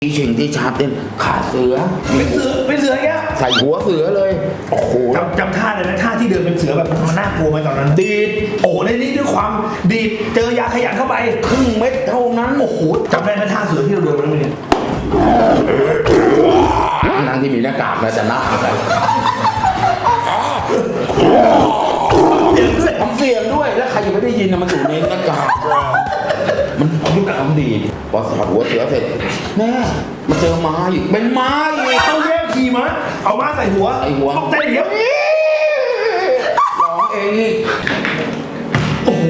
สิ่งที่ชาร์ปเต้นขาเสือเป็นเสือแกใส่หัวเสือเลยโอ้โหจำท่าเลยนะท่าที่เดินเป็นเสือแบบมันน่ากลัวไหมตอนนั้นดีดโอ้ในนี้ด้วยความดีดเจอยาขยันเข้าไปครึ่งเม็ดเท่านั้นโอ้โหจำได้ไหมท่าเสือที่เราเดินมาแล้วเนี่ยนั่งที่มีหน้ากากนะจะหน้าอะไรทำเสียงด้วยแล้วใครจะไม่ได้ยินนะมันอยู่ในหน้ากากมันยุคกับคำดีพอถอดหัวเสือเสร็จแม่มาเจอม้าอีกเป็นม้าอีกต้องแยกขี่ม้าเอาม้าใส่หัวต้องเต้นเดี๋ยวร้องเองอีกโอ้โห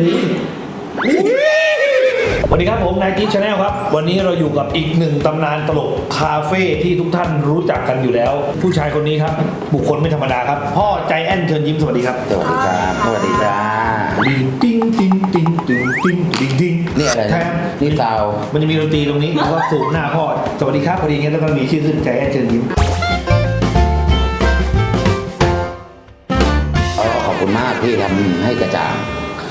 สวัสดีครับผมนายกิ๊กชาแนลครับวันนี้เราอยู่กับอีกหนึ่งตำนานตลกคาเฟ่ที่ทุกท่านรู้จักกันอยู่แล้วผู้ชายคนนี้ครับบุคคลไม่ธรรมดาครับพ่อใจแอนเชิญยิ้มสวัสดีครับสวัสดีครับสวัสดีจ้าติ้งติ้งติ้งติ้งติ้งติ้งติ้งนี่อะไรนี่ซาวมันจะมีดนตรีตรงนี้แล้วก็สูบหน้าพ่อสวัสดีครับพอดีงั้นแล้วก็มีชื่อขึ้นใจแอนเชิญยิ้มขอบคุณมากที่ทำให้กระจ่าง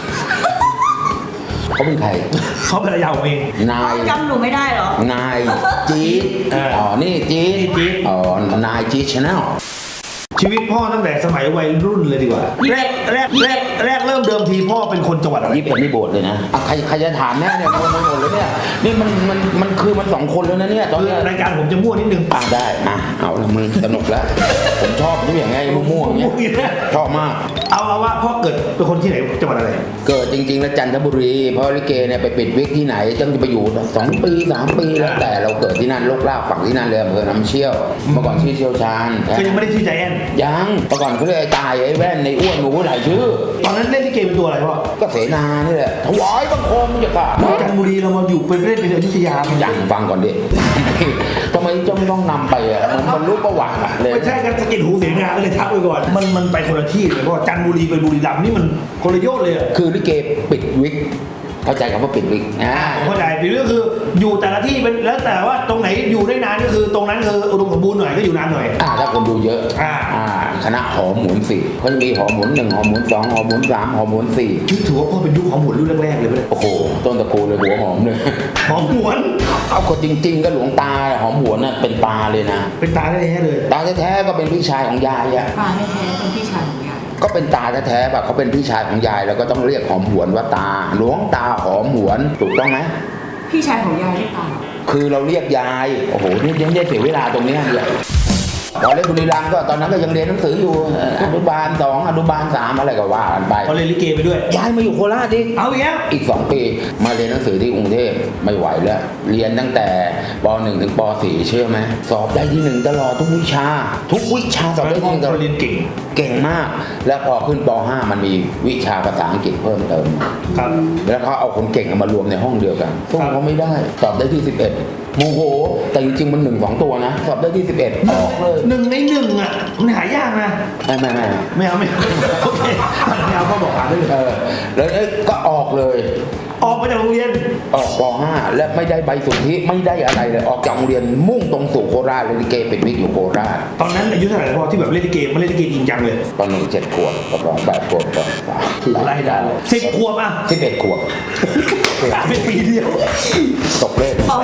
เขาเป็นใครเขาภรรยาผมเองนายจำหนูไม่ได้หรอนายจี๊ดอ๋อนี่จี๊ดอ๋อนายจี๊ดชาแนลชีวิตพ่อตั้งแต่สมัยวัยรุ่นเลยดีกว่าแรกเริ่มเดิมทีพ่อเป็นคนจังหวัดอะไร 21นี่โบสถ์เลยนะใครจะถามแม่เนี่ยคนไม่หมดเลยเนี่ยนี่มันคือมัน2คนแล้วนะเนี่ยตอนนี้รายการผมจะมั่วนิดนึงได้เอาละมึงสนุกแล้วผมชอบทุกอย่างไงมั่วอย่างเงี้ยชอบมากเอาว่าพ่อเกิดเป็นคนที่ไหนจังหวัดอะไรเกิดจริงๆแล้วจันทบุรีเพราะลิเกเนี่ยไปปิดวิกที่ไหนต้องจะไปอยู่2 ปี3 ปีแล้วแต่เราเกิดที่นั่นโลกลากฝั่งที่นั่นเลยอำเภอน้ำเชี่ยวเมื่อก่อนชื่อเชี่ยวชาญก็ยังไม่ได้ชื่อใจแอนยังเมื่อก่อนเขาเรียกไอ้ตายไอ้แว่นในอ้วนหนูหลายชื่อตอนนั้นเล่นลิเกเป็นตัวอะไรพ่อก็เสนานี่แหละถวายบังคมมันจะกล้าจันทบุรีเรามาอยู่เป็นเล่นเป็นอยุธยาอย่างฟังก่อนดิทำไมต้องนำไปอ่ะมันรู้ประวัติเลยไม่ใช่กันสกินหูเสนาก็เลยทักไปก่อนมันไปคนละที่เลยเพราะจันทบุรีไปบุรีรัมย์นี่มันคนละโยชน์เลยคือลิเกปิดวิกเข้าใจคำว่าปิดวิกผมเข้าใจปิดวิกก็คืออยู่แต่ละที่เป็นแล้วแต่ว่าตรงไหนอยู่ได้นานก็คือตรงนั้นคืออุดมสมบูรณ์หน่อยก็อยู่นานหน่อยถ้าคนดูเยอะคณะหอมหมุน4เขาจะมีหอมหมุน1หอมหมุน2หอมหมุน3หอมหมุน4 ถือว่าพ่อเป็นยุคหอมหมุนรุ่นแรกๆเลยไหมโอ้โหต้นตระกูลเลยหัวหอมเลยหอมหวนเอาคนจริงๆก็หลวงตาหอมหวนน่ะเป็นตาเลยนะเป็นตาแท้ๆเลยตาแท้ๆก็เป็นพี่ชายของยายอ่ะตาแท้ๆเป็นพี่ชายของยายก็เป็นตาแท้ๆแบบเขาเป็นพี่ชายของยายแล้วก็ต้องเรียกหอมหวนว่าตาหลวงตาหอมหวนถูกต้องไหมพี่ชายของยายเรียกตาคือเราเรียกยายโอ้โหนี่ยังได้เสียเวลาตรงนี้เลยตอนเล่นบุรีรัมย์ก็ตอนนั้นก็ยังเรียนหนังสืออยู่อนุบาล2อนุบาล3อะไรก็ว่ากันไปพอเรียนลิเกไปด้วยย้ายมาอยู่โคราชดิเอาอีก2 ปีมาเรียนหนังสือที่กรุงเทพไม่ไหวแล้วเรียนตั้งแต่ป .1 ถึงป .4 เชื่อไหมสอบได้ที่1ตลอดทุกวิชาสอบได้ที่1ตลอดเรียนเก่งมากแล้วพอขึ้นป .5 มันมีวิชาภาษาอังกฤษเพิ่มเติมครับแล้วเขาเอาคนเก่งมารวมในห้องเดียวกันซึ่งเขาไม่ได้สอบได้ที่11โมโหแต่จริงๆมัน1-2ตัวนะสอบได้ที่11ออกเลย 1 ใน 1อ่ะมันหายากนะไม่เอาโอเคไม่เอาก็บอกหาได้เลยแล้วก็ออกเลยออกมาจากโรงเรียนออกป .5 และไม่ได้ใบสุทธิไม่ได้อะไรเลยออกจากโรงเรียนมุ่งตรงสู่โคราชเลยลิเกปิดวิกอยู่โคราชตอนนั้นอายุเท่าไหร่พ่อที่แบบเล่นลิเกมาเล่นลิเกจริงจังเลยตอน1 7 ขวบกับ2 8 ขวบตอน 3ไล่ได้10 ขวบอ่ะ 11 ขวบเป็นปีเดียวตกเลขป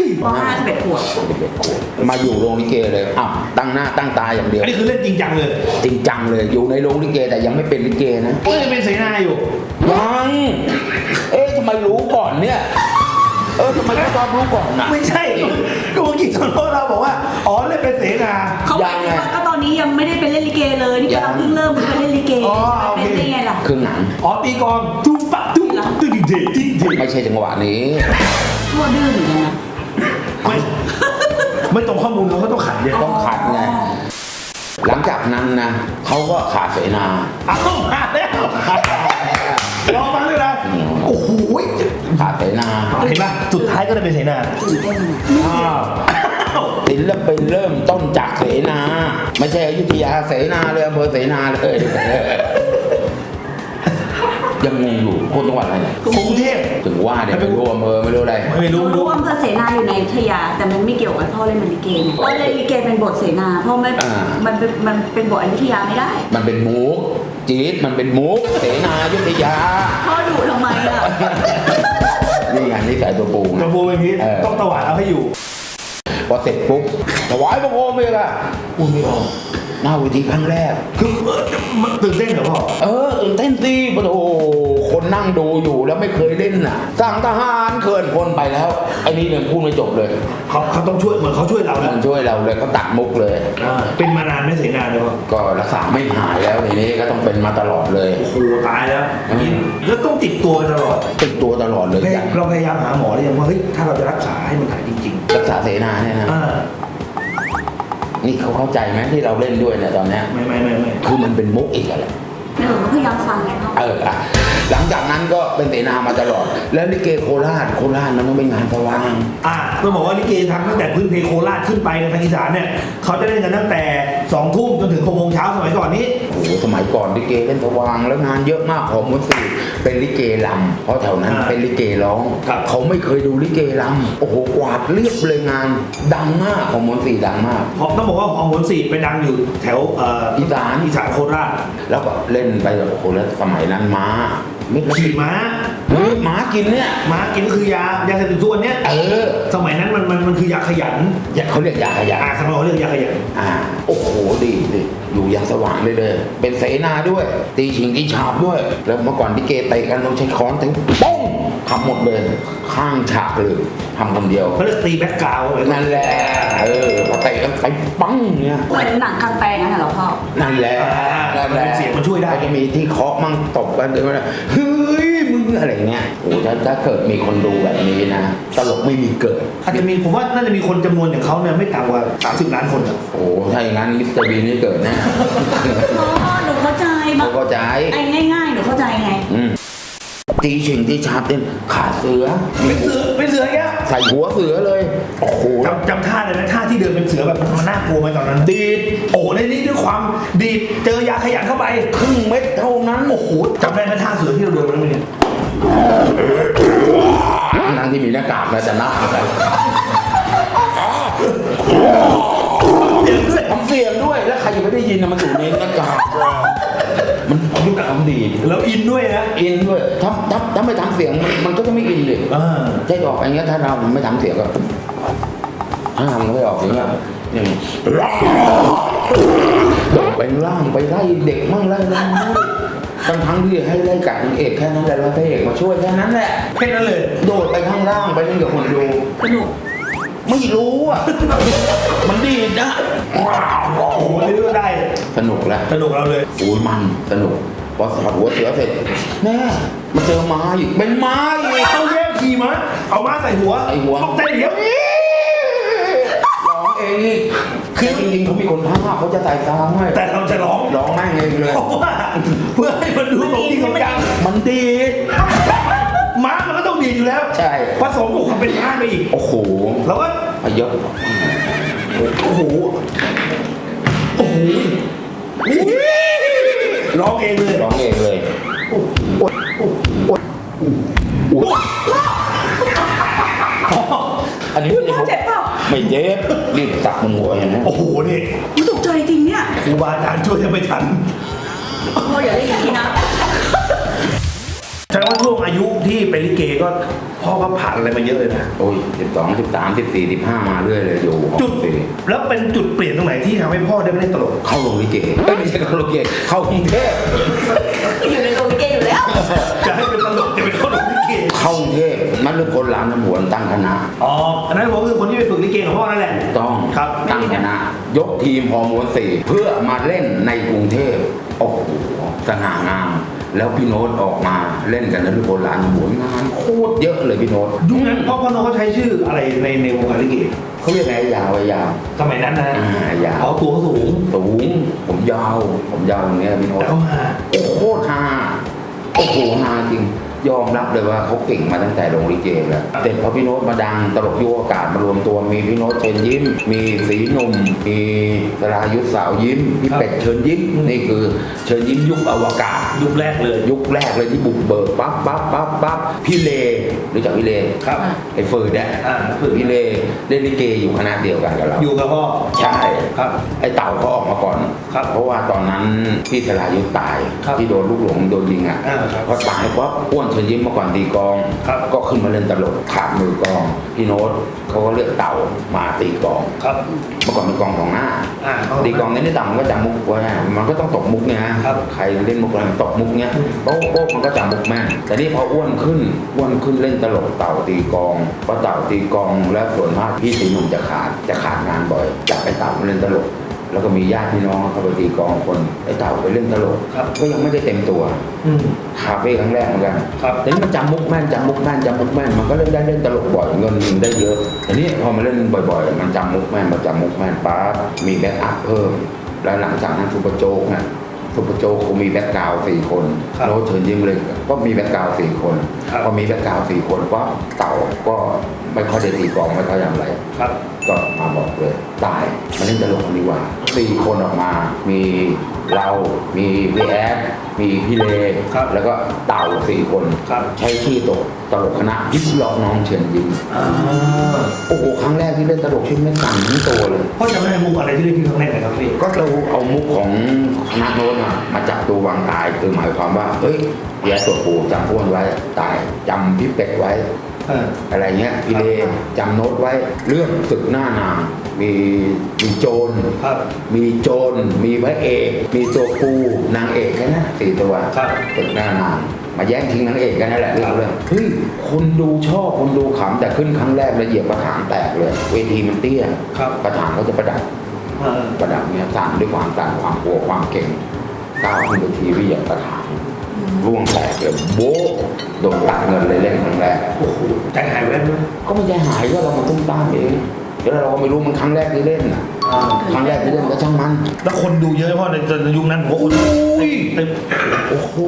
.5 11 ขวบมาอยู่โรงลิเกเลยตั้งหน้าตั้งตาอย่างเดียวอันนี้คือเล่นจริงจังเลยอยู่ในโรงลิเกแต่ยังไม่เป็นลิเกนะยังเป็นเสนาอยู่ยังทำไมรู้ก่อนเนี่ยทำไมเขาชอบรู้ก่อนนะไม่ใช่ก็เมื่อกี้ตอนเราบอกว่าเล่นเป็นเสนาเขาบอกว่าก็ตอนนี้ยังไม่ได้ไปเล่นลิเกเลยนี่กำลังเพิ่งเริ่มไปเล่นลิเกเป็นยังไงล่ะครึ่งหนังตีกลองตุ้มปะตุ้มตึ้งเด็ดไม่ใช่จังหวะนี้ทั่วดื้อเหมือนกันนะไม่ตรงข้อมูลเราก็ต้องขัดเนี่ยต้องขัดไงหลังจากนั้นนะเขาก็ขาดเสนามาแล้วลองฟังเลยนะโอ้โหขาดเสนาเห็นไหมสุดท้ายก็ได้เป็นเสนาศิลปินเริ่มต้นจากเสนาไม่ใช่อยุธยาเสนาเลยอำเภอเสนาเลยยังงงอยู่คนจังหวัดอะไรเนี่ยกรุงเทพถึงว่าเนี่ยไม่รู้อำเภอไม่รู้อะไรไม่รู้อำเภอเสนาอยู่ในอยุธยาแต่มันไม่เกี่ยวกับพ่อเล่นลิเกเนี่ยพ่อเล่นลิเกเป็นบทเสนาพ่อไม่มันเป็นบทอยุธยาไม่ได้มันเป็นมุกจี๊ดมันเป็นมุกเสนาอยุธยาพ่อดุทำไมอ่ะนี่ไงนี่ใส่ตัวปูเป็นพีต้องตวาดเอาให้อยู่พอเสร็จปุ๊บถวายบังคมเลยอะพูดไม่ออกหน้าเวทีครั้งแรกคือตื่นเต้นเหรอพ่อตื่นเต้นสิโอ้โหคนนั่งดูอยู่แล้วไม่เคยเล่นน่ะสั่งทหารเขินคนไปแล้วไอ้นี่เนี่ยพูดไม่จบเลยเขาต้องช่วยเหมือนเขาช่วยเรามันะนช่วยเราเลยเขาตัดมุกเลยเป็นมานานไม่เสียนานเลยพ่อก็รักษาไม่หายแล้วทีนี้ก็ต้องเป็นมาตลอดเลยโอ้โหตายแล้วแล้วต้องติดตัวไปตลอดติดตัวตลอดเลยอย่างเราพยายามหาหมอหรือยังว่าเฮ้ยถ้าเราจะรักษาให้มันหายจริงรักษาเสนาเนี่ยนะ นี่เขาเข้าใจไหมที่เราเล่นด้วยเนี่ยตอนเนี้ยไม่คือมันเป็นมุกอีกอะไรหนูก็พยายามฟังไงพ่อหลังจากนั้นก็เป็นเสนามาตลอด แล้วลิเกโคราชมันต้องเป็นงานสว่างต้องบอกว่าลิเกทำตั้งแต่พื้นเพโคราชขึ้นไปในทางอีสานเนี่ยเขาจะเล่นกันตั้งแต่2 ทุ่มจนถึง6 โมงเช้าสมัยก่อนนี้โอ้โหสมัยก่อนลิเกเล่นสว่างแล้วงานเยอะมากของมนตรีเป็นลิเกลำเพราะแถวนั้นเป็นลิเกร้องเขาไม่เคยดูลิเกลำโอ้โหกวาดเรียบเลยงานดังมากของมนตรีดังมากต้องบอกว่าของผลสีไปดังอยู่แถวอีสานโคราชแล้วก็เล่นไปแบบโอ้โหแล้วสมัยนั้นม้าไม่ขี่ม้าม้ากินเนี่ยม้ากินก็คือยาเสพติดทุกวันเนี้ยสมัยนั้นมันคือยาขยันเขาเรียกยาขยะสมัยเขาเรียกยาขยันโอ้โหดีอยู่อย่างสว่างเลยเป็นเสนาด้วย ตีฉิงตีฉาบด้วย แล้วเมื่อก่อนที่เกเตะกันเราใช้ค้อนถึงป้องทำหมดเลยข้างฉากเลยทำคนเดียวเขาเรียกตีแบ็กกราวด์นั่นแหละพอเตะกันไปปังเนี่ยเหมือนหนังกลางแปลงนั่นแหละพ่อนั่นแหละเสียงมันช่วยได้ก็จะมีที่เคาะมั่งตบกันเลยว่าเฮ้ยมึงอะไรเงี้ยโอ้ถ้าเกิดมีคนดูแบบนี้นะตลกไม่มีเกิดอาจจะมีผมว่าน่าจะมีคนจำนวนอย่างเขาเนี่ยไม่ต่ำกว่า30 ล้านคนโอ้ถ้าอย่างนั้นมิสเตอร์บีนนี่เกิดแน่พ่อหนูเข้าใจเขาเข้าใจไอ้ง่ายๆหนูเข้าใจไงตีฉิงตีฉาบเต้นขาเสือเป็นเสือแค่ใส่หัวเสือเลยโอ้โหจำท่าเลยนะท่าที่เดินเป็นเสือแบบมันน่ากลัวไหมตอนนั้นดีดโอ้ในนี้ด้วยความดีดเจอยาขยันเข้าไปครึ่งเม็ดเท่านั้นโอ้โหจำได้ไหมท่าเสือที่เราเดินมาแล้วเนี่ยทั้งที่มีหน้ากากนะแต่หน้าอะไรทำเสียงด้วยแล้วใครยังไม่ได้ยินนะมันอยู่ในหน้ากากมันยุคทำดีแล้วอินด้วยนะอินด้วยถ้าไม่ทำเสียงมันก็จะไม่อินเลยใช่ออกอย่างเงี้ยถ้าเราไม่ทำเสียงก็ถ้าทำไม่ออกอย่างเงี้ยอย่างไปล่างไปไล่เด็กมั่งไล่น้องทั้งที่ให้ไล่กัดนางเอกแค่นั้นแหละแล้วพระเอกมาช่วยแค่นั้นแหละแค่นั้นเลยโดดไปข้างล่างไปเล่นกับคนดูสนุกไม่รู้อ่ะ มันดีนะโอ้โหนี่ก็ได้สนุกแล้วสนุกเราเลยโอ้ยมันสนุกพอถอดหัวเสือเสร็จแม่มาเจอม้าอีกเป็นม้าอีกต้องแยกขี่ม้าเอาม้าใส่หัวไอ้หัวต้องเต้นเดี๋ยวร้องเองอีกคือจริงๆเขามีคนพากย์เขาจะใส่ซาวให้แต่เราจะร้องร้องแม่งเองเลยเพราะว่าเพื่อให้มันดูตรงที่เขาจังมันดีม้ามันก็ต้องดีอยู่แล้วใช่ผสมกับความเป็นม้าไปอีกโอ้โหแล้วก็เยอะโอ้โหโอ้โหนี่ร้องเองเลยร้องเองเลย อันนี้พ่อเจ็บเปล่าไม่เจ็บรีบตักมึงหัวอย่างนี้โอ้โหนี่หนูตกใจจริงเนี่ยครูบาอาจารย์ช่วยจะไม่ทันพ่ออย่าเล่นอย่างนี้นะแสดงว่าช่วงอายุที่เป็นลิเกก็พ่อก็ผ่านอะไรมาเยอะเลยนะโอ้ย12 13 14 15มาเรื่อยเลยอยู่จุดแล้วเป็นจุดเปลี่ยนตรงไหนที่ทำให้พ่อได้มาเล่นตลกเข้าโรงลิเกไม่ใช่เข้าโรงลิเกเข้ากรุงเทพอยู่ในโรงลิเกอยู่แล้วจะให้เป็นตลกจะเป็นคนลิเกเข้ากรุงเทพนัดเลือกคนร้านน้ำหวนตั้งคณะอ๋ออันนั้นผมคือคนที่ไปฝึกลิเกของพ่อนั่นแหละต้องครับตั้งคณะยกทีมฮอร์โมน4เพื่อมาเล่นในกรุงเทพโอ้โหสง่างามแล้วพี่โน้ตออกมาเล่นกันนัดเลือกคนร้านน้ำหวนงานโคตรเยอะเลยพี่โน้ตยุคนั้นพ่อโน้เขาใช้ชื่ออะไรในวงการลิเกเขาเรียกไงยาวไว้ยาวสมัยนั้นนะยาวเขาตัวเขาสูงสูงผมยาวอย่างเงี้ยพี่โน้ตแต่เขามาโอ้โคตรฮาโอ้โหฮาจริงยอมรับเลยว่าเขาเก่งมาตั้งแต่โรงลิเกแล้วแต่พอพี่โน้ตมาดังตลกยุคอากาศมารวมตัวมีพี่โน้ตเชิญยิ้ม มีสีหนุ่มมีสรายุทธสาวยิ้มพี่เป็ดเชิญยิ้มนี่คือเชิญยิ้มยุคอวกาศยุคแรกเลยยุคแรกเลยที่บุกเบิกปั๊บพี่เลรู้จักพี่เลครับไอ้เฟิร์ดเนี่ยพี่เลเล่นลิเกอยู่คณะเดียวกันกับเราอยู่กับพ่อใช่ครับไอ้เต่าเขาออกมาก่อนครับเพราะว่าตอนนั้นพี่สรายุทธตายครับที่โดนลูกหลงโดนยิงอ่ะครับพอตายปั๊บอ้วนเชิญยิ้มเมื่อก่อนตีกลองครับก็ขึ้นมาเล่นตลกขาดมือกลองพี่โน้ตเขาก็เลือกเต่ามาตีกลองครับเมื่อก่อนเป็นกลองของหน้า ตีกลองนี้ต่ำมันก็จำมุกไว้มันก็ต้องตกมุกเนี่ยนะครับใครเล่นมุกอะไรมันตกมุกเนี้ยโป๊ะโป๊ะมันก็จำมุกแม่นแต่นี่พออ้วนขึ้นเล่นตลกเต่าตีกลองเพราะเต่าตีกลองแล้วส่วนมากพี่สีหนุ่มจะขาดงานบ่อยจับไปเต่ามาเล่นตลกแล้วก็มีญาติพี่น้องเขาไปตีกลองคนไอ้เต่าไปเล่นตลกก็ยังไม่ได้เต็มตัวคาเฟ่ครั้งแรกเหมือนกันแต่นี่มันจำมุกแม่นมันก็เล่นตลกบ่อยเงินได้เยอะแต่นี่พอมาเล่นบ่อยๆมันจำมุกแม่นปั๊บมีแบ็คอัพเพิ่มแล้วหลังจากนั้นซุปเปอร์โจ๊กเขามีแบ็คกราวด์4 คนโน้ตเชิญยิ้มเลยก็มีแบ็คกราวด์4 คนพอมีแบ็คกราวด์4 คนก็เต่าก็ไม่ค่อยได้ตีกลองไม่ค่อยทำอะไรก็มาบอกเลยตายมาเล่นตลกกันดีกว่า4 คนออกมามีเรามีพี่แอดมีพี่เลแล้วก็เต่า4 คนใช้ชื่อตลกคณะพิษล็อกน้องเชิญยิ้มโอ้โหครั้งแรกที่เล่นตลกชื่อไม่สั่นทั้งตัวเลยพ่อจำได้มุกอะไรที่เล่นที่ครั้งแรกไหมครับพี่ก็เราเอามุกของคณะโน้นมาจับตัววางตายคือหมายความว่าเฮ้ยแย่ตัวปูจำอ้วนไว้ตายจำพี่เป็ดไว้อะไรเงี้ยพี่เลจำโน้ตไว้เรื่องศึกหน้านางมีโจรมีพระเอกมีตัวปูนางเอกแค่นั้น4 ตัวศึกหน้านางมาแย่งชิงนางเอกกันนั่นแหละเรื่องเฮ้ยคนดูชอบคนดูขำแต่ขึ้นครั้งแรกละเอียดประถางแตกเลยเวทีมันเตี้ยประถางก็จะประดับเนี่ยสั่นด้วยความสั่นความกลัวความเก่งก้าวขึ้นไปทีวีอย่างประถางร่วงแตกเลยโบ๊ะโดนตัดเงินเลยเล่นครั้งแรกโอ้โหใจหายแวบไหมก็ไม่ใจหายก็เรามาตุ้มต้ามเองเดี๋ยวเราก็ไม่รู้มันครั้งแรกที่เล่นครั้งแรกที่เล่นก็ช่างมันแล้วคนดูเยอะเพราะในยุคนั้นผมว่าคนเต็มโอ้โห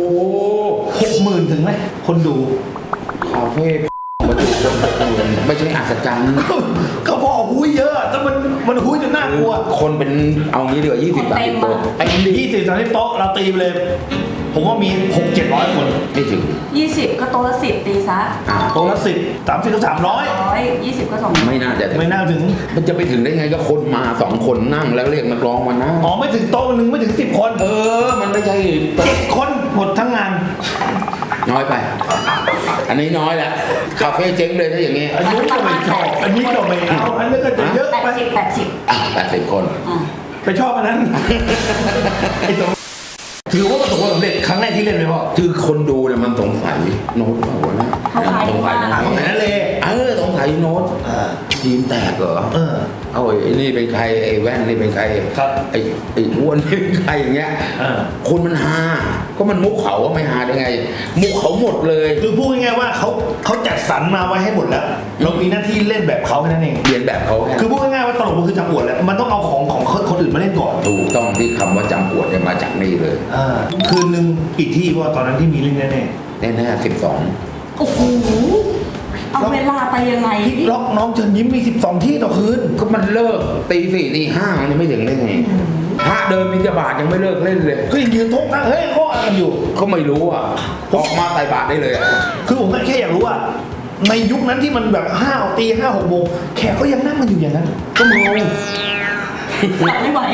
60,000 ถึงไหมคนดูคาเฟ่มาดูคนไม่ใช่อัศจรรย์ก็พอหุ้ยเยอะแต่มันหุ้ยจนน่ากลัวคนเป็นเอางี้ดีกว่า20-30 โต๊ะไอ้นี่ 20-30 โต๊ะเราตีไปเลย ผมว่ามี 600-700 คนไม่ถึง 20 ก็โต๊ะละ10ตีซะโต๊ะละ10 30ก็300 20 ก็200 ไม่น่าจะไม่น่าถึงมันจะไปถึงได้ไงก็คนมา2 คนนั่งแล้วเรียกนักร้องมานั่งอ๋อไม่ถึงโต๊ะนึงไม่ถึง10 คนมันไม่ใช่โต๊ะ 7 คนหมดทั้งงานน้อยไป อันนี้น้อยแหละคาเฟ่เจ๊งเลยถ้าอย่างงี้อันนี้ก็ไม่ชอบอันนี้ก็ไม่เอาอันนี้ก็จะเยอะไป 80 คนไปชอบอันนั้นไอ้ตรงถือว่าประสบความสำเร็จครั้งแรกที่เล่นเลยพ่อคือคนดูเนี่ยมันสงสัยโน้ตเปล่าวะนะเขาขายสงสัยมากของไหนนั่นเลยสงสัยโน้ตทีมแตกเหรอเอาไอ้นี่เป็นใครไอ้แว่นนี่เป็นใครไอ้อ้วนนี่เป็นใครอย่างเงี้ยคนมันฮาก็มันมุกเขาไม่ฮาได้ไง มุกเขาหมดเลยคือพูดง่ายๆว่าเขาจัดสรรมาไว้ให้หมดแล้วเรามีหน้าที่เล่นแบบเขาแค่นั้นเองเรียนแบบเขาคือพูดง่ายๆว่าตลกมันคือจำอวดแหละมันต้องเอาของคนอื่นมาเล่นก่อนถูกต้องที่คำว่าจำปวดเนี่ยมาจากนี่เลยคืนนึงกี่ที่ว่าตอนนั้นที่มีเล่นแน่แน่12 โอ้โหเอาเวลาไปยังไงๆพี่ล็อกน้องเชิญยิ้มมี12ที่ต่อคืนก็มันเลิกตี4ตี5มันยังไม่ถึงได้ไงพระเดินบิณฑบาตยังไม่เลิกเล่นเลยก็ยังยืนทุกนั่งเฮ้ยเขาอะไรกันอยู่ก็ไม่รู้อ่ะออกมาไต่บาตได้เลยอ่ะคือผมแค่อยากรู้ว่าในยุคนั้นที่มันแบบ5 ตี 5-6 โมงแขกก็ยังนั่งกันอยู่อย่างนั้นก็เมาหลับไม่ไหว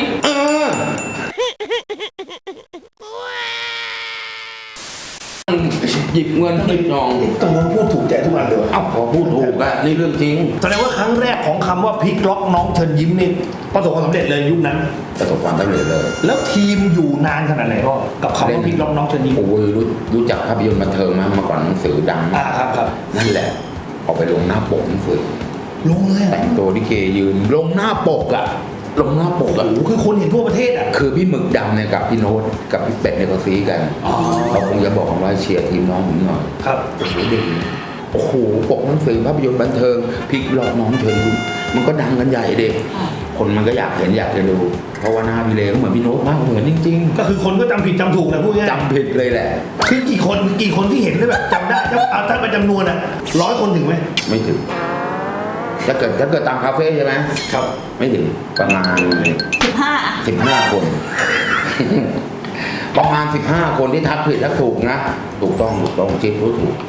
หยิบเงินหยิบทองตอนนั้นพูดถูกใจทุกวันเลยเอ้าพอพูดถูกอะนี่เรื่องจริงแสดงว่าครั้งแรกของคำว่าพลิกล็อกน้องเชิญยิ้มนี่ประสบความสำเร็จเลยยุคนั้นประสบความสำเร็จเลยแล้วทีมอยู่นานขนาดไหนพ่อกับคำว่าพลิกล็อกน้องเชิญยิ้มโอ้ยรู้จักภาพยนตร์บันเทิงมั้ยเมื่อก่อนหนังสือดังครับนั่นแหละออกไปลงหน้าปกหนังสือลงเลยแต่งตัวลิเกยืนลงหน้าปกอะลงหน้าปกอะโอ้คือคนเห็นทั่วประเทศอ่ะคือพี่หมึกดำเนี่ยกับพี่โน้ตกับพี่เป็ดเนี่ยเขาซีกันเขาคงจะบอกว่าเชียร์ทีมน้องผมหน่อยครับโอ้โหเด็กโอ้โหปกหนังสือภาพยนตร์บันเทิงพลิกล็อกน้องเชิญยิ้มมันก็ดังกันใหญ่เด็กคนมันก็อยากเห็นอยากจะดูเพราะว่าหน้าพี่เลก็เหมือนพี่โน้ตมากเหมือนจริงๆก็คือคนก็จำผิดจำถูกแหละพูดง่ายจำผิดเลยแหละคือกี่คนที่เห็นได้แบบจำได้ถ้าเป็นจำนวนอ่ะ100 คนถึงไหมไม่ถึงถ้าเกิดตามคาเฟ่ใช่ไหมครับไม่ถึงประมาณ15 คน ประมาณ15 คนที่ทักผิดทักถูกนะถูกต้องจิ๊บรู้ถูก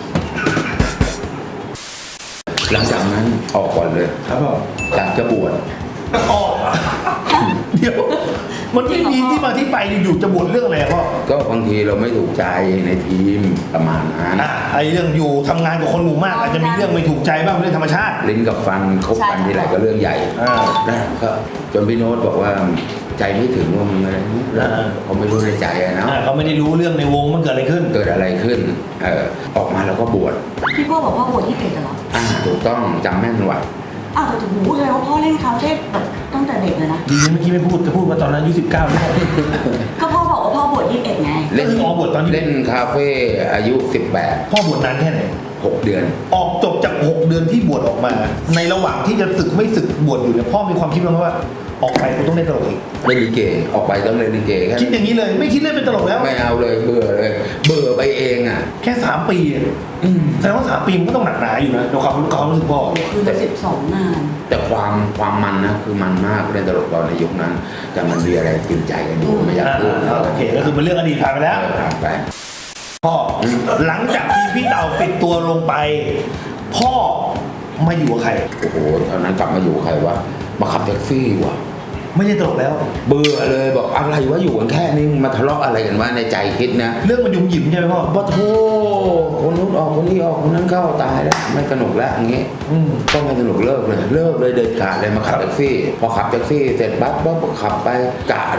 หลังจากนั้นออกก่อนเลยครับผมอยากจะบวชออกดเดี๋ยวมันไม่มีที่มาที่ไปอยู่จะบ่นเรื่องอะไรพ่อก็บางทีเราไม่ถูกใจในทีมประมาณนั้นไอ้เรื่องอยู่ทำงานกับคนหมู่มากอาจจะมีเรื่องไม่ถูกใจบ้างเรื่องธรรมชาติลิ้นกับฟันคบกันทีไรก็เรื่องใหญ่ นะก็จนพี่โน้ตบอกว่าใจไม่ถึงว่ามันอะไรแล้วเขาไม่รู้ในใจอะเนาะเขาไม่ได้รู้เรื่องในวงมันเกิดอะไรขึ้นเกิดอะไรขึ้นออกมาแล้วก็บวชพี่พ่อบอกว่าบวชที่เกตเหรอถูกต้องจำแม่นว่ะอ้าวแต่ถึงหูเลยว่าพ่อเล่นคาเฟ่แบบตั้งแต่เด็กเลยนะดีนะเมื่อกี้ไม่พูดจะพูดว่าตอนนั้นอายุ19ไม่ได้ก็พ่อบอกว่าพ่อบวช21ไงเล่นบวชตอนนี้เล่นคาเฟ่อายุพ่อบวชนานแค่ไหน 18 6 เดือนออกจบจาก6 เดือนที่บวชออกมา ในระหว่างที่จะศึกไม่ศึกบวชอยู่เนี่ยพ่อมีความคิดไหมว่าออกไปกูต้องเล่นตลกอีกเล่นลิเกออกไปต้องเล่นลิเกแค่คิดอย่างนี้เลยไม่คิดเล่นเป็นตลกแล้วไม่เอาเลยเบื่อเลยเบื่อไปเองอ่ะแค่3 ปีอะแสดงว่า3 ปีมันก็ต้องหนักหนาอยู่นะในความรู้สึกพ่อคือจะ12 งานแต่ความมันนะคือมันมากเล่นตลกตอนในยุคนั้น แต่มันมีอะไรกินใจกันอยู่ไม่อยากพูดโอเคก็คือมันเรื่องอดีตผ่านไปแล้วผ่านไปพ่อหลังจากที่พี่เต่าปิดตัวลงไป พ่อมาอยู่กับใครโอ้โหตอนนั้นกลับมาอยู่ใครวะมาขับแท็กซี่ว่ะไม่ใช่ตลกแล้วเบื่อเลยบอกอะไรวะอยู่กันแค่นี้มาทะเลาะอะไรกันวะในใจคิดนะเรื่องมันยุ่มหยิมใช่ไหมพ่อว่าโธ่คนนู้นออกคนนี้ออกคนนั้นเข้าตายแล้วไม่สนุกแล้วอย่างงี้ต้องไม่สนุกเลิกเลยเด็ดขาดเลยมาขับแท็กซี่ พอขับแท็กซี่เสร็จปั๊บก็ขับไปกะ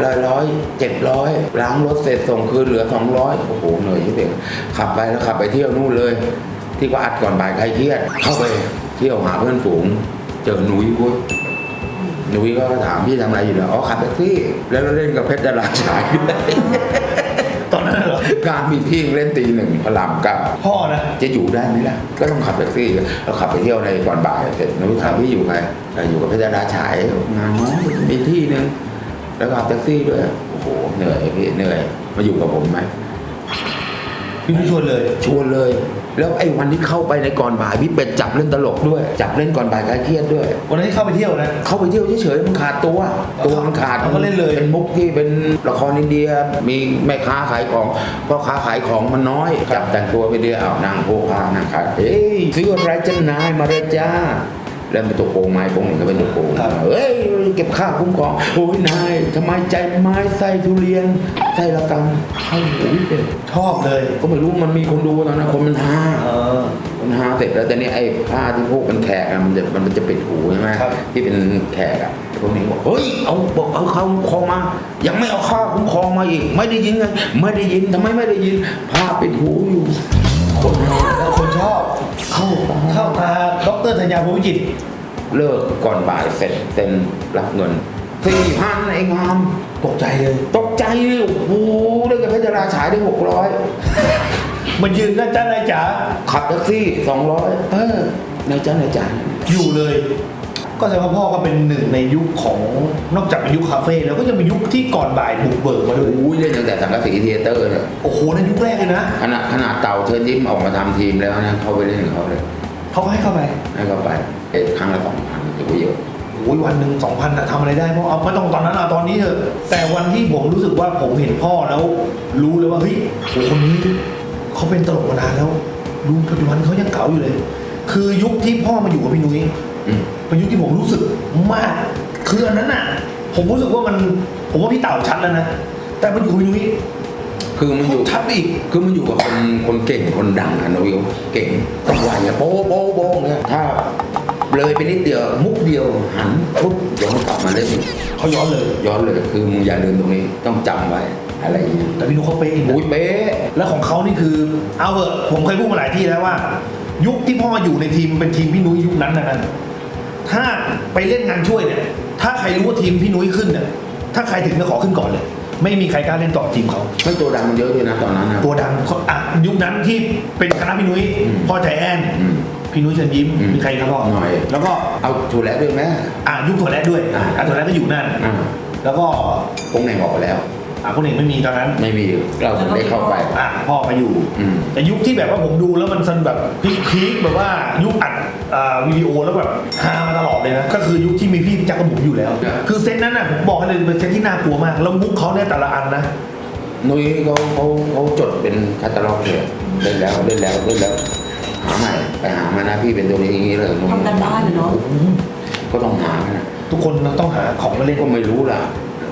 100 700ล้างรถเสร็จส่งคืนเหลือ200โอ้โหเหนื่อยที่เด็กขับไปแล้วขับไปเที่ยวนู่นเลย ที่ก็อัดก่อนบ่ายใครเครียดเข้าไปเที่ยวหาเพื่อนฝูงเจอหนุ่ยพุ้ยหนุ่ยก็ถามพี่ทำอะไรอยู่เนี่ยอ๋อขับแท็กซี่ แล้วเล่นกับเพชรดาราชายตอนนั้นเหรอการมีพี่เล่นตี 1พระรามเก้าพ่อนะจะอยู่ได้ไหมล่ะก็ต้องขับแท็กซี่เราขับไปเที่ยวในก่อนบ่ายเสร็จหนุ่ยถามพี่อยู่ไงอยู่กับเพชรดาราชายงานน้อยมีที่นึงแล้วขับแท็กซี่ด้วยโอ้โหเหนื่อยพี่เหนื่อยมาอยู่กับผมไหมพี่ไม่ชวนเลยชวนเลย แล้วไอ้วันที่เข้าไปในก่อนบ่ายพี่เป็ดจับเล่นตลกด้วย จับเล่นก่อนบ่ายคลายเครียดด้วยวันนั้นที่เข้าไปเที่ยวนะเข้าไปเที่ยวเฉยๆมันขาดตัวมันขาดเขาก็เล่นเลยเป็นมุกที่เป็นละครอินเดียมีแม่ค้าขายของพ่อค้าขายของมันน้อยจับแต่งตัวไปเดียวเอานางโพคานางขายเฮ้ยซื้ออะไรจ้านายมาเลยจ้าแล้วเป็นตัวโกงไม้โกงหนึ่งก็เป็นตัวโกงเฮ้ยเก็บค่าคุ้มครองโอ้ยนายทำไมใจไม้ไส้ทุเรียนไส้ละกังเข้าหูเป็นชอบเลยก็ไม่รู้มันมีคนดูตอนนั้นคนมันฮา มันหาเสร็จแล้วแต่นี่ไอ้ผ้าที่พวกเป็นแขกอะมันจะปิดหูใช่ไหมครับที่เป็นแขกอะพวกนี้บอกเฮ้ยเอาเข้าคุ้มครองมายังไม่เอาค่าคุ้มครองมาอีกไม่ได้ยินไงไม่ได้ยินทำไมไม่ได้ยินผ้าปิดหูอยู่คนแล้วคนชอบเข้าตาดรธัญญาภูมิจิตรเลิกก่อนบ่ายเสร็จเซ็นรับเงิน4,000ไอ้งามตกใจเลยตกใจเลยโอ้โหเลิกกับเพชรราฉายได้600 มันยืนนั่นจ้านายจ๋าขับแท็กซี่200นายจ้านายจ๋าอยู่เลย ก็แสดงว่าพ่อก็เป็นหนึ่งในยุคของนอกจากเป็นยุคคาเฟ่แล้วก็ยังเป็นยุคที่ก่อนบ่ายบุกเบิกมาด้วยโอ้ยเล่นตั้งแต่สังกะสีเทเตอร์เนี่ยโอ้โหในยุคแรกเลยนะขนาดเต่าเชิญยิ้มออกมาทำทีมแล้วนะเขาไปเล่นกับเขาเลยเขาก็ให้เข้าไปให้เขาไปครั้งละ2,000ถือว่าเยอะโอ้ยวันหนึ่ง2,000อะทำอะไรได้พ่อเอาไม่ต้องตอนนั้นเอาตอนนี้เถอะแต่วันที่ผมรู้สึกว่าผมเห็นพ่อแล้ว รู้เลยว่าเฮ้ยโอ้คนนี้เขาเป็นตลกมานานแล้วดูปัจจุบันเขายังเก๋าอยู่เลย คือยุคที่พ่อมาอยู่กับพี่นุ้ย เป็นยุคที่ผมรู้สึกมากคืออันนั้นน่ะผมรู้สึกว่าผมว่าพี่เต่าชัดแล้วนะแต่มันอยู่กับพี่นุ้ยคือมันอยู่ชัดอีกคือมันอยู่กับคนเก่งคนดังอะนะวิวเก่งต้องไหวอะโป๊ะโป๊ะโป๊ะเนี่ยถ้าเลยไปนิดเดียวมุกเดียวหันปุ๊บเดี๋ยวมันกลับมาเล่นอีกเขาย้อนเลยย้อนเลยคือมึงอย่าลืมตรงนี้ต้องจำไว้อะไรอย่างเงี้ยแต่พี่นุ้ยเขาเป๊ะอีกนะอุ้ยเป๊ะแล้วของเขานี่คือเอาเหอะผมเคยพูดมาหลายที่แล้วว่า ยุคที่พ่อมาอยู่ในทีมเป็นทีมพี่นุ้ยยุคนั้นนะถ้าไปเล่นงานช่วยเนี่ยถ้าใครรู้ว่าทีมพี่นุ้ยขึ้นเนี่ยถ้าใครถึงจะขอขึ้นก่อนเลย ไม่มีใครกล้าเล่นต่อทีมเขาไม่ตัวดังมันเยอะด้วยนะตอนนั้นนะตัวดังอ่ะยุคนั้นที่เป็นคณะพี่นุ้ยพ่อใจแอน พี่นุ้ยเชิญยิ้มมีใครครับพ่อหน่อยแล้วก็เอาถูแล้วด้วยไหมยุคถั่วแระด้วยถั่วแระก็อยู่นั่นแล้วก็คงแหน่งออกไปแล้วคนเอกไม่มีตอนนั้นไม่มีเราถึงได้เข้าไปพ่อมาอยู่แต่ยุคที่แบบว่าผมดูแล้วมันสนแบบพีคแบบว่ายุคอัดวิดีโอแล้วแบบฮามาตลอดเลยนะก็คือยุคที่มีพี่จักรบุ๋มอยู่แล้ว คือเซตนั้นน่ะผมบอกให้เลยเป็นเซตที่น่ากลัวมากแล้วมุกเขาเนี่ยแต่ละอันนะนุ้ยเขาจดเป็นคาตาล็อกเลยเล่นแล้วหาใหม่ไปหามานะพี่เป็นตัวนี้อย่างนี้เลยทำกันบ้านเนาะก็ต้องหานะทุกคนต้องหาของมาเล่นก็ไม่รู้ล่ะ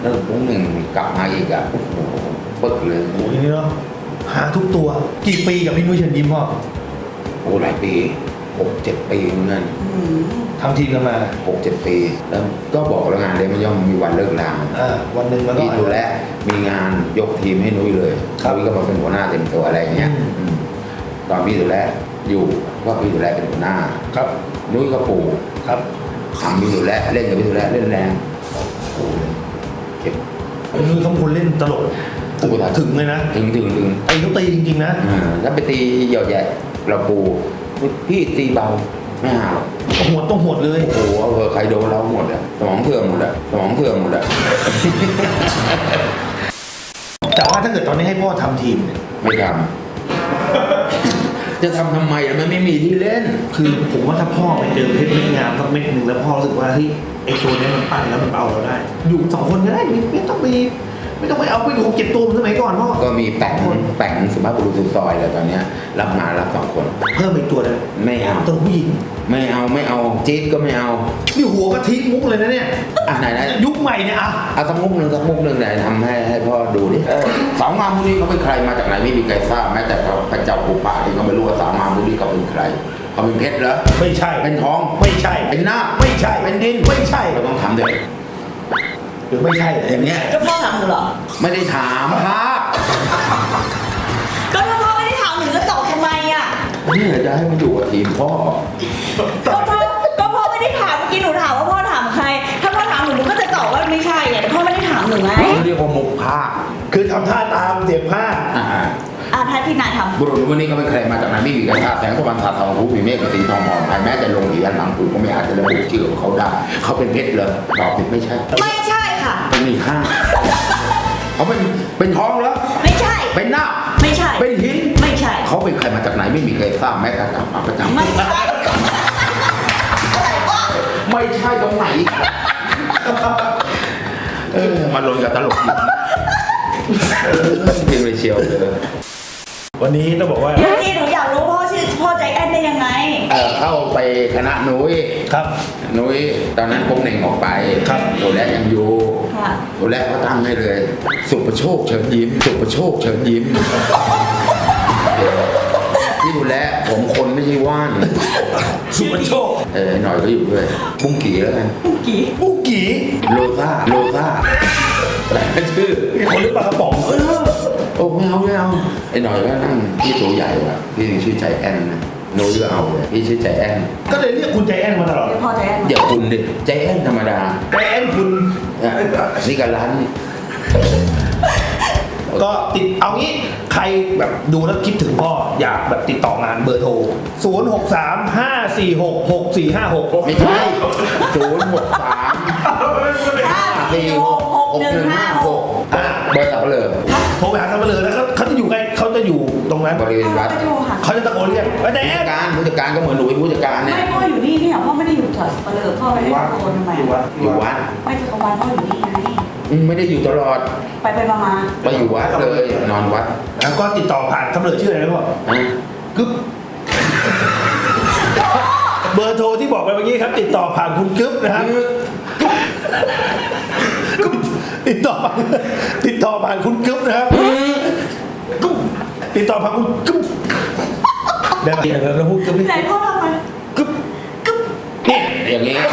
แล้วพวกหนึ่งกลับมาอีกอ่ะโอ้โหปึ๊กเลยโอ้ยนี่เนาะหาทุกตัวกี่ปีกับพี่นุ้ยเชิญยิ้มพ่อโอ้หลายปี6-7 ปีเหมือนกันทำทีมกันมา 6-7 ปีแล้วก็บอกแล้วงานเนี้ยมันย่อมมีวันเลิกลาวันหนึ่งมันก็พี่ดูแลมีงานยกทีมให้นุ้ยเลยครับนุ้ยก็มาเป็นหัวหน้าเต็มตัวอะไรอย่างเงี้ยอืมตอนพี่ดูแลอยู่ก็พี่ดูแลเป็นหัวหน้าครับนุ้ยก็ปู่ครับทำพี่ดูแลเล่นกับพี่ดูแลเล่นแรงโอ้โหเจ็บพี่นุ้ยเขาคนเล่นตลกโอ้โหถึงเลยนะถึงไอ้เขาตีจริงๆนะถ้าไปตีเหยาะแยะเราปูพี่ตีเบาไม่หาหรอกหัวต้องหดเลยโอ้โหเอาเถอะใครโดนเราหมดอะสมองเสื่อมหมดอะสมองเสื่อมหมดอะแต่ว่าถ้าเกิดตอนนี้ให้พ่อทำทีมเนี่ยไม่ทำจะทำทำไมอะมันไม่มีที่เล่นคือผมว่าถ้าพ่อไปเจอเพชรเม็ดงามสักเม็ดหนึ่งแล้วพ่อรู้สึกว่าเฮ้ยไอ้ตัวเนี้ยมันปั้นแล้วมันเอาเราได้ อยู่สองคนก็ได้ไม่ต้องไปเอาไป6-7 ตัวเหมือนสมัยก่อนพ่อก็มีแป่งสุภาพบุรุษสุดซอยเลยตอนเนี้ยรับงานรับ2 คนเพิ่มอีกตัวนึงไม่เอาตัวผู้หญิงไม่เอาจี๊ดก็ไม่เอานี่หัวก็ทิ้งมุกเลยนะเนี่ยไหนยุคใหม่เนี่ยอ่ะเอาสักมุกหนึ่งไหนทำให้พ่อดูดิสาวงามพวกนี้เขาเป็นใครมาจากไหนไม่มีใครทราบแม้แต่พระเจ้าปู่ป่าที่เขาไม่รู้ว่าสาวงามพวกนี้เขาเป็นใครเขาเป็นเพชรเหรอไม่ใช่เป็นทองไม่ใช่เป็นหน้าไม่ใช่เป็นดินไม่ใช่เราต้องทำด้วยหรือไม่ใช่อย่างเงี้ยก็พ่อถามหนูเหรอไม่ได้ถามภาพก็ถ้าพ่อไม่ได้ถามหนูจะตอบทำไมอ่ะนี่จะให้มาอยู่กับทีมพ่อก็พ่อไม่ได้ถามเมื่อกี้หนูถามว่าพ่อถามใคร ถ้าพ่อถามหนูก็จะตอบว่าไม่ใช่ไงแต่พ่อไม่ได้ถามหนูไงเขาเรียกว่ามุกภาคคือทำท่าตามเสียงผ้าถ้าพี่นายทำบุรุษพวกนี้เขาเป็นใครมาจากไหนไม่มีใครทราบแสงตะวันทาทองผู้มีเมฆกับสีทองหอมภายแม้แต่ลงเหรียญหลังปู่ก็ไม่อาจจะระบุชื่อของเขาได้เขาเป็นเพชรเลยตอบผิดไม่ใช่ไม่ใช่ค่ะเป็นมีค่าเขาเป็นทองเหรอไม่ใช่เป็นหน้าไม่ใช่เป็นหินไม่ใช่เขาเป็นใครมาจากไหนไม่มีใครทราบแม้กระทั่งมาประจำไม่ใช่อะไรวะไม่ใช่ตรงไหนมาลงกับตลกจริงเลยเชียวเลยวันนี้ต้องบอกว่าที่หนูอยากรู้พ่อชื่อพ่อใจแอนได้ยังไงเข้าไปคณะนุ้ยครับนุ้ยตอนนั้นพงเหน่งออกไปครับตัวแรกยังอยู่ค่ะตัวแรกเขาตั้งให้เลย สุประโชคเชิญยิ้มสุประโชคเชิญยิ้มที่ดูแลผมคนไม่ใช่ว่านสุปโชคหน่อยก็อยู่ด้วยบุ้งกี่แล้วกันกี่ปุกกี้โลซ่าแต่ชื่อมีคนหรือปลากระป๋องโอ้ไม่เอาไอ้หน่อยก็นั่งพี่ตัวใหญ่ว่ะพี่ชื่อใจแอนนะโน้ยก็เอาเลยพี่ชื่อใจแอนก็เลยเรียกคุณใจแอนมาตลอดเดี๋ยวพ่อใจแอนอย่าคุณดิใจแอนธรรมดาใจแอนคุณนี่ก็ร้านก็ติดเอางี้ใครแบบดูแล้วคิดถึงพ่ออยากแบบติดต่องานเบอร์โทร 0635466456 ไม่ใช่063 5466156 เบอร์สับเปลือกโทรไปหาเขาไปเลยแล้วเขาจะอยู่ใกล้เขาจะอยู่ตรงนั้นบริเวณวัดไปดูค่ะเขาจะตะโกนเรียกใจแอนผู้จัดการก็เหมือนหนูเป็นผู้จัดการเนี่ยไม่พ่ออยู่นี่เนี่ยพ่อไม่ได้อยู่แถวสเปเหร่อพ่อไปให้ตะโกนทำไมอยู่วัดอยู่วัดไม่จักรวาลพ่ออยู่นี่ไงไม่ได้อยู่ตลอดไปมาไปอยู่วัดเลยนอนวัดแล้วก็ติดต่อผ่านตำรวจชื่ออะไรนะพ่อนะกึ๊บเบอร์โทรที่บอกไปเมื่อกี้ครับ ติดต่อผ่านคุณกึ๊บนะครับกึ๊บติดต่อผ่านคุณกึ๊บนะครับกึ๊บติดต่อผ่านคุณกึ๊บได้ไหมแล้วพูดกึ๊บนี่ไหนพ่อทำไมกึ๊บนี่อย่างนี้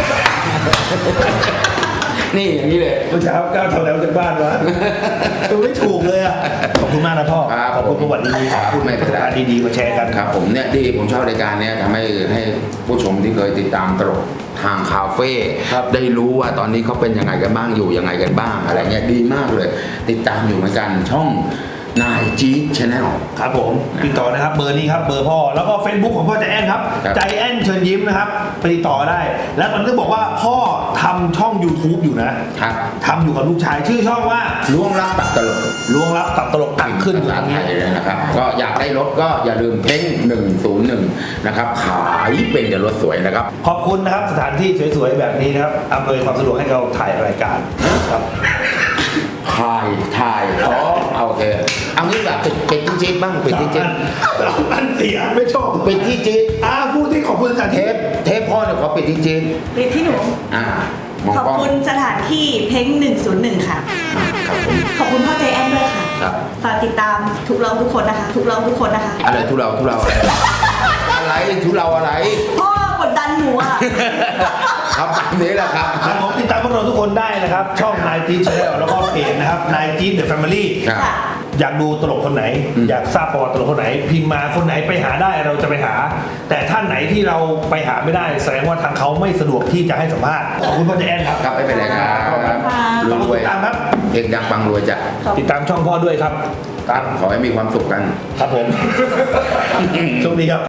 นี่อย่างนี้เลยเมื่อเช้าก้าวทำแล้วจากบ้านวะไม่ถูกเลยอ่ะขอบคุณมากนะพ่อครับขอบคุณประวัติดีครับพูดไม่เป็นไรดีๆมาแชร์กันครับผมเนี่ยดีผมชอบรายการเนี้ยทำให้ผู้ชมที่เคยติดตามตลกทางคาเฟ่ครับได้รู้ว่าตอนนี้เขาเป็นยังไงกันบ้างอยู่ยังไงกันบ้างอะไรเงี้ยดีมากเลย ติดตามอยู่เหมือนกันช่องนายจี๊ดชาแนลครับผมติดต่อนะครับเบอร์นี้ครับเบอร์พ่อแล้วก็ Facebook ของพ่อใจแอนครับครับใจแอนเชิญยิ้มนะครับไปติดต่อได้ แล้วตอนนี้บอกว่าพ่อทำช่อง YouTube อยู่นะครับ ทำอยู่กับลูกชายชื่อช่องว่าล้วงลับตัดตลกล้วงลับตัดตลกตัดขึ้นภาษาไทยเลยนะครับ ก็อยากได้รถก็อย่าลืมเพ้ง101นะครับขายเป็นอย่ารถสวยนะครับขอบคุณนะครับสถานที่สวยๆแบบนี้นะครับอำนวยความสะดวกให้เราถ่ายรายการครับถ่ายโอเคเอางี้แบบปิดที่จี๊ดบ้างปิดที่จี๊ดอันเสียไม่ชอบปิดที่จี๊ดพูดที่ขอบคุณสถานเทที่ปพ่อเนี่ยขอปิดที่จี๊ดปิดที่หนูอ่ามองขอบกล้องคุณสถานที่เพ้ง101 ค่ะครับผมขอบคุณพ่อใจแอนด้วยค่ะครับฝากติดตามทุกเราทุกคนนะคะ ทุกเราทุกคนนะคะอะไรทุเราอะไรอะไรทุเราอะไรพ่อกดดันหนูอ่ะครับตามนี้แหละครับครับผมติดตามพวกเราทุกคนได้นะครับ ช่อง Night Channel แล้วก็เพจนะครับ Night The Family ครับค่ะอยากดูตลกคนไหน อยากทราบประวัติตลกคนไหน พิมพ์มาคนไหนไปหาได้เราจะไปหา แต่ท่านไหนที่เราไปหาไม่ได้ แสดงว่าทางเขาไม่สะดวกที่จะให้สัมภาษณ์ขอบคุณพ่อเจแอนครับครับไม่เป็นไรครับขอบคุณค่ะรวยติดตามครับเอกดังปังรวยจ้ะติดตามช่องพ่อด้วยครับครับขอให้มีความสุขกันครับผม โชคดีครับ